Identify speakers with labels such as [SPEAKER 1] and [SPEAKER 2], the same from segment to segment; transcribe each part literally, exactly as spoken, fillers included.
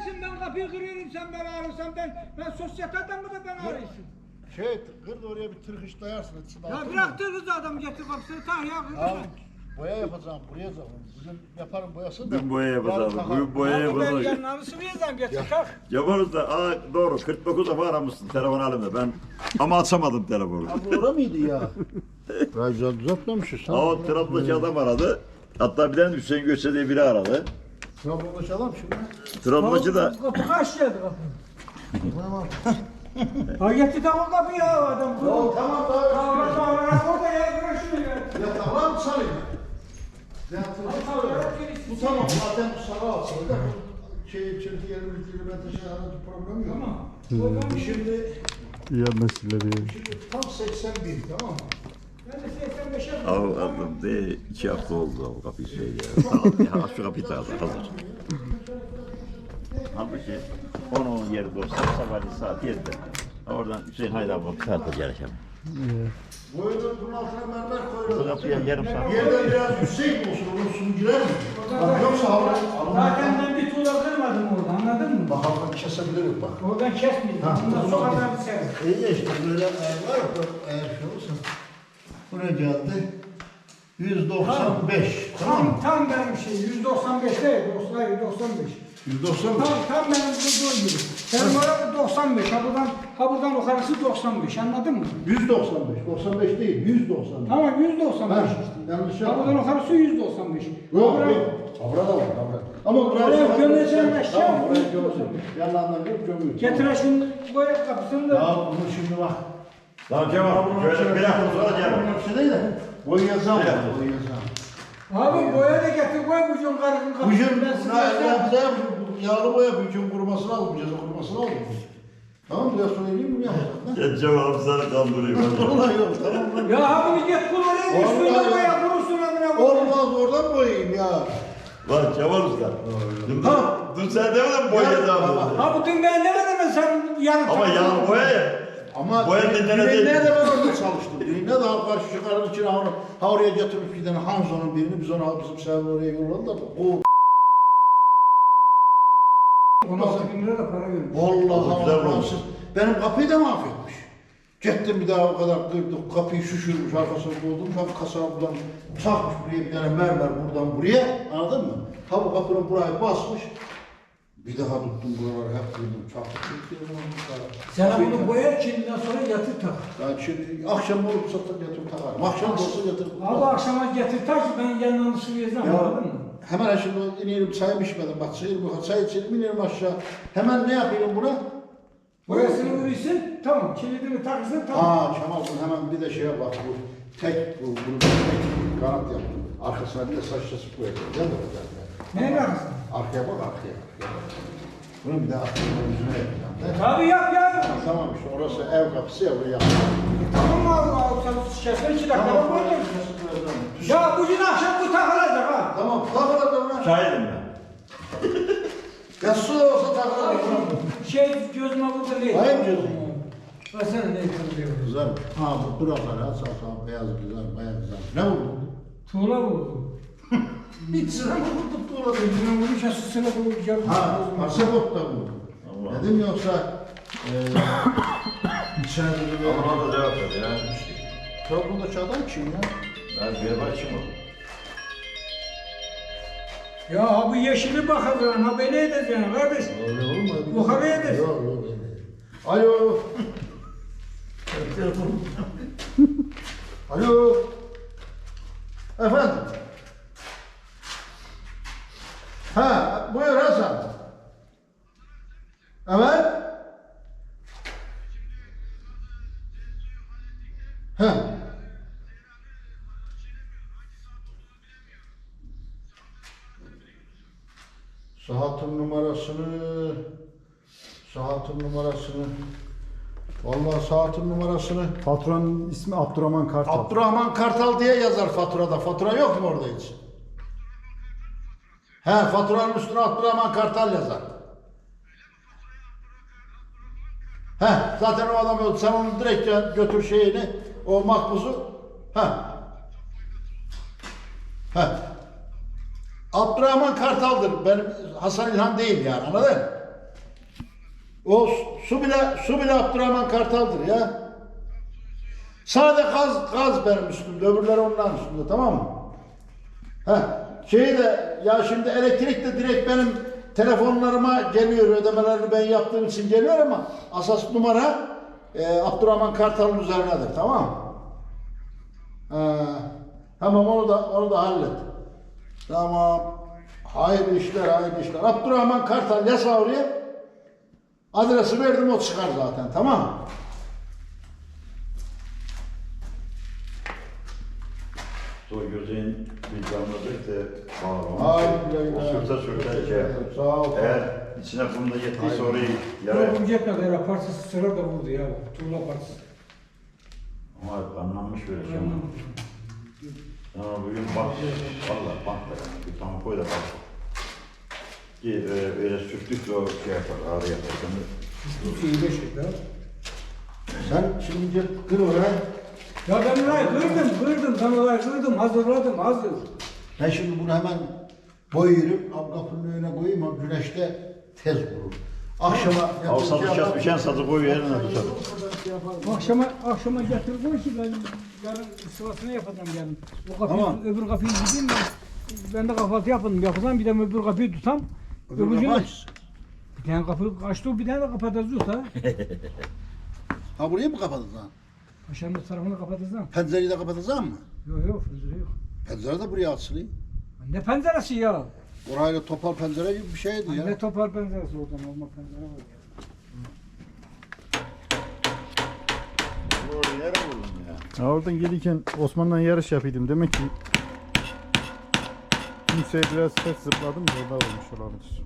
[SPEAKER 1] gelsin ben kapıyı kırıyorum sen beni arıyorsan ben ben sosyete adamı da ben arıyorsun.
[SPEAKER 2] Şey kır da oraya bir tırkış dayarsın.
[SPEAKER 1] Ya bırak kız adam getir kapısını tak ya kız.
[SPEAKER 2] Abi boya yapacağım buraya zaman. Bugün yaparım boyasını da.
[SPEAKER 3] Dün boya yapacağız.
[SPEAKER 2] yarın
[SPEAKER 3] Bugün boya
[SPEAKER 1] Ben
[SPEAKER 3] yapacağız.
[SPEAKER 1] yanlarını sıvayacağım getir tak.
[SPEAKER 3] Yaparız da aa, doğru kırk dokuz defa aramışsın telefon halimde ben ama açamadım telefonu.
[SPEAKER 2] Abi orada mıydı ya? Ben güzel düzeltmemişiz.
[SPEAKER 3] Aa, o Trabzon'daki adam aradı. Hatta bir tane Hüseyin Göçe diye biri aradı.
[SPEAKER 2] Trabzon'daki adam şimdi.
[SPEAKER 3] Trabzon'daki da
[SPEAKER 1] Kapı kaç geldi kapı?
[SPEAKER 2] Tamam.
[SPEAKER 1] Ha getir tak o kapıyı ya adam.
[SPEAKER 2] Ya tamam daha.
[SPEAKER 1] Tamam tamam orada ya bırak şunu ya.
[SPEAKER 2] Ya tamam sarayım. Ya tamam. Bu tamam zaten bu sarı alsın da şey çirkin yerin ülkeyle ben taşı aracı problem yok.
[SPEAKER 1] Tamam.
[SPEAKER 2] Şimdi
[SPEAKER 4] Ya meseleleri.
[SPEAKER 2] şimdi tam seksen bin tamam mı?
[SPEAKER 1] Ben de seksen beşe
[SPEAKER 3] av aldım de iki hafta oldu o kapıyı şey ya. Tamam ya şu kapıyı da hazır. Halbuki onun yeri dostlar sabahleyin saat yedide. Oradan Hüseyin Haydi abi saat geleceğim.
[SPEAKER 2] Boyunun bunun altına mermer
[SPEAKER 3] Bu
[SPEAKER 2] koyuyoruz.
[SPEAKER 3] kapıya yarım saat.
[SPEAKER 2] Yerden biraz yüksek olsun, onun suyu girer mi? Bak yoksa havlu
[SPEAKER 1] Zaten ben bir tuğla kırmadım orada anladın mı?
[SPEAKER 2] bak havlu kesebilirim bak.
[SPEAKER 1] Oradan kesmeyeyim.
[SPEAKER 2] Ha,
[SPEAKER 1] Ondan
[SPEAKER 2] o
[SPEAKER 1] sonra
[SPEAKER 2] zaman-
[SPEAKER 1] ben severim.
[SPEAKER 2] İyi de işte böyle eğer var ya eğer şey olursa. Bu ne geldi? yüz doksan beş. Tamam mı?
[SPEAKER 1] Tam, tam benim şey yüz doksan beş değil, dostlar yüz doksan beş.
[SPEAKER 2] yüz doksan beş.
[SPEAKER 1] Tam, tam benim bulduğum gibi. Benim orada doksan beş, ha buradan, ha buradan yukarısı doksan beş, anladın mı?
[SPEAKER 2] yüz doksan beş. doksan beş değil, yüz doksan beş.
[SPEAKER 1] Tamam yüz doksan beş
[SPEAKER 2] Ha,
[SPEAKER 1] işte.
[SPEAKER 2] yanlış
[SPEAKER 1] Ha
[SPEAKER 2] yapma.
[SPEAKER 1] buradan yukarısı yüz doksan beş.
[SPEAKER 2] Yok,
[SPEAKER 1] Ha,
[SPEAKER 2] yok. Avra da var, avra. Ama buraya
[SPEAKER 1] Oraya gömeceğim eşya.
[SPEAKER 2] Tamam, buraya gömeceğim. Yanlarından görüp gömüyor.
[SPEAKER 1] Getir şunu boya kapısını da.
[SPEAKER 2] Ya bunu şimdi bak.
[SPEAKER 3] Tamam Kemal, şöyle bir hafta sonra gel.
[SPEAKER 2] Bir şey değil de. Boyayacağım. Boyayacağım.
[SPEAKER 1] Abi boya da getir koy bucun karının kapısını.
[SPEAKER 2] Bugün
[SPEAKER 1] Ben size
[SPEAKER 2] ne
[SPEAKER 1] yapacağım.
[SPEAKER 2] yapacağım? Yağlı boya bugün kurumasını almayacağız, kurumasını almayacağız. Tamam biraz sonra ineyim mi yapacağım?
[SPEAKER 3] Ya Cemal abi sana kandırayım.
[SPEAKER 2] Vallahi yok tamam lan.
[SPEAKER 1] Ya abi git kullanayım üstüne
[SPEAKER 2] Vallahi
[SPEAKER 1] boya
[SPEAKER 2] ya.
[SPEAKER 1] kurusun amına koyayım.
[SPEAKER 2] Olmaz oradan boyayayım ya.
[SPEAKER 3] Lan Kemal Usta. Dün,
[SPEAKER 2] Ha.
[SPEAKER 3] dün sen demedin mi boyayacağım dedi.
[SPEAKER 1] Ha bu dün ben demedim mi sen yarın
[SPEAKER 3] Ama yağlı boya ya.
[SPEAKER 2] Ama
[SPEAKER 3] Boya dediğine değil.
[SPEAKER 2] düğünde de ben orada çalıştım. Düğünde de halk karşı çıkarın içine ha, ha oraya getirip bir tane Hanzo'nun birini biz onu bizim sebebi oraya yolladılar da o
[SPEAKER 1] on altı bin lira da para vermiş.
[SPEAKER 2] vallahi
[SPEAKER 3] Güzel
[SPEAKER 2] Allah
[SPEAKER 3] olmuş.
[SPEAKER 2] siz benim kapıyı da mahvetmiş. Gittim bir daha o kadar kırdık, kapıyı şişirmiş, arkasına koydum, tam kasabından çakmış buraya bir tane mermer buradan buraya, anladın mı? Ha bu kapının burayı basmış, bir daha tuttum buraları hep kırdım, çaktık, kırdım,
[SPEAKER 1] Sen bunu boya kendinden sonra yatır tak.
[SPEAKER 2] ben şimdi akşam olup satıp yatırım takarım, akşam olsa yatırım
[SPEAKER 1] Abi
[SPEAKER 2] takarım.
[SPEAKER 1] akşama getir tak ki ben yanına sıvayacağım anladın mı?
[SPEAKER 2] Hemen şimdi inelim çayım içmedim, bak çayır bu çay içelim inelim aşağı, hemen ne yapayım buna?
[SPEAKER 1] Boyasını vurursun tamam kilidini takırsın tamam.
[SPEAKER 2] Aa Kemal bunu hemen bir de şeye bak bu tek bu bunu tek kanat yaptım. Arkasına bir de saç çası koyacağım. Gel de gel.
[SPEAKER 1] Neye bakırsın?
[SPEAKER 2] Arkaya bak arkaya. arkaya bak. Bunu bir de arkaya yüzüne yapacağım. Ne?
[SPEAKER 1] Tabii yap ya.
[SPEAKER 2] Tamam işte orası ev kapısı ya buraya yapacağım.
[SPEAKER 1] Tamam mı abi abi sen şişesini iki dakika
[SPEAKER 2] Tamam
[SPEAKER 1] koydun.
[SPEAKER 2] çası koyacağım.
[SPEAKER 1] Ya bugün akşam bu takılacak ha.
[SPEAKER 2] Tamam takılır da buna.
[SPEAKER 3] Şahidim ben.
[SPEAKER 2] Ya su da olsa takılır.
[SPEAKER 1] Şey gözüme vurdu değil.
[SPEAKER 2] Hayır gözüm.
[SPEAKER 1] Baksana ne kırılıyor.
[SPEAKER 2] Güzel. Ha bu duraklar ha sağ sağ beyaz güzel bayağı güzel. Ne vurdu?
[SPEAKER 1] Tuğla vurdu.
[SPEAKER 2] Hiç sıra mı vurdu tuğla?
[SPEAKER 1] Gözüme vurmuş ya süsüne vurdu.
[SPEAKER 2] Ha pasaport da vurdu.
[SPEAKER 3] Allah.
[SPEAKER 2] Dedim yoksa eee içeride böyle...
[SPEAKER 3] Ama da cevap ver ya.
[SPEAKER 2] Trabzon'daki adam kim ya?
[SPEAKER 3] Ben bir başım o.
[SPEAKER 1] Ya ha bu yeşili bakacaksın, ha böyle edeceksin kardeş.
[SPEAKER 2] Öyle olmadı.
[SPEAKER 1] Yukarı yedir.
[SPEAKER 2] Yok yok öyle. Alo. Alo. Efendim. Ha buyur Hasan. Evet. Ha. Saatin numarasını Saatin numarasını Vallahi saatin numarasını
[SPEAKER 4] Patronun ismi Abdurrahman Kartal.
[SPEAKER 2] Abdurrahman Kartal diye yazar faturada. Fatura yok mu orada hiç? He faturanın üstüne Abdurrahman Kartal yazar. He zaten o adam öldü. Sen onu direkt götür şeyini, o makbuzu. He. He. Abdurrahman Kartal'dır. Benim Hasan İlhan değil yani anladın? O su bile su bile Abdurrahman Kartal'dır ya. Sade gaz gaz benim üstümde, öbürleri onların üstünde, tamam mı? Ha, şeyi de ya şimdi elektrik de direkt benim telefonlarıma geliyor, ödemelerini ben yaptığım için geliyor ama asas numara e, Abdurrahman Kartal'ın üzerinedir, tamam mı? Ha, tamam, onu da onu da hallet. Tamam. Hayırlı işler, hayırlı işler. Abdurrahman Kartal yaz oraya. Adresi verdim, o çıkar zaten, tamam mı?
[SPEAKER 3] O gözün vicdanladık da
[SPEAKER 2] Hayır,
[SPEAKER 3] bağlamak. O sürte sürte şey yapar.
[SPEAKER 2] Sağ ol.
[SPEAKER 3] Eğer içine kumda yettiyse orayı
[SPEAKER 1] Ya
[SPEAKER 3] yara.
[SPEAKER 1] bu cephe kadar partisi sıra da vurdu ya. Tuğla partisi.
[SPEAKER 3] Ama anlanmış böyle şey ama. Ama bugün bak, valla bantla yani. Bir tane koy da bak. Ki e, öyle sürttükçe o şey yapar, ağrı yapar.
[SPEAKER 1] Bu şeyi beş ekler.
[SPEAKER 2] Sen şimdi kır oraya.
[SPEAKER 1] Ya ben orayı kırdım, kırdım. Ben orayı kırdım, hazırladım, hazır.
[SPEAKER 2] Ben şimdi bunu hemen boyuyorum. Ab kapının önüne koyayım, o güneşte tez vurur. Akşama
[SPEAKER 3] Al sadı kes biçen sadı koy yerine tutar.
[SPEAKER 1] Akşama, akşama getir koy ki ben yarın sırasını yapacağım yarın. O kapıyı,
[SPEAKER 2] Tamam.
[SPEAKER 1] öbür kapıyı gideyim ben. Ben de kahvaltı yapalım, yapacağım. Bir de öbür kapıyı tutam.
[SPEAKER 2] Öbür
[SPEAKER 1] Öbürcüğü
[SPEAKER 2] kapı
[SPEAKER 1] de-
[SPEAKER 2] aç.
[SPEAKER 1] Bir tane kapı açtı, bir tane de kapatacağız ha.
[SPEAKER 2] Ha, burayı mı kapatacaksın?
[SPEAKER 1] Aşağının tarafını kapatacağım.
[SPEAKER 2] Pencereyi de kapatacaksın mı?
[SPEAKER 1] Yok yok, pencere yok.
[SPEAKER 2] Pencere de buraya açılıyor.
[SPEAKER 1] Ne penceresi ya?
[SPEAKER 2] Orayla topal pencere gibi bir şeydi ya.
[SPEAKER 1] Ne topar penceresi oradan olma pencere var ya.
[SPEAKER 3] Oraya yere vurdun ya.
[SPEAKER 4] Ya oradan gelirken Osman'la yarış yapıyordum. Demek ki kimseye biraz ters zıpladım da orada olmuş olabilir.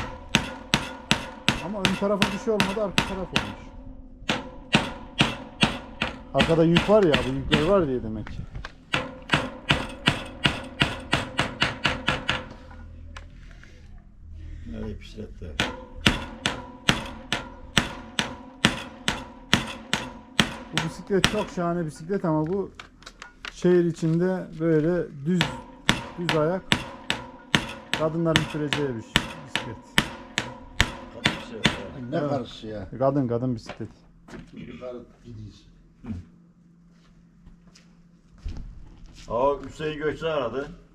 [SPEAKER 4] Ama ön tarafa bir şey olmadı, arka taraf olmuş. Arkada yük var ya, bu yükler var diye demek ki.
[SPEAKER 3] Nereye pişiretti?
[SPEAKER 4] Bu bisiklet çok şahane bisiklet ama bu şehir içinde böyle düz düz ayak kadınların süreceği bir bisiklet.
[SPEAKER 3] Hadi pişiretti.
[SPEAKER 2] Ne karısı ya?
[SPEAKER 4] Kadın kadın bisiklet.
[SPEAKER 2] Yukarı gidiyiz.
[SPEAKER 3] Aa Hüseyin Göçler aradı.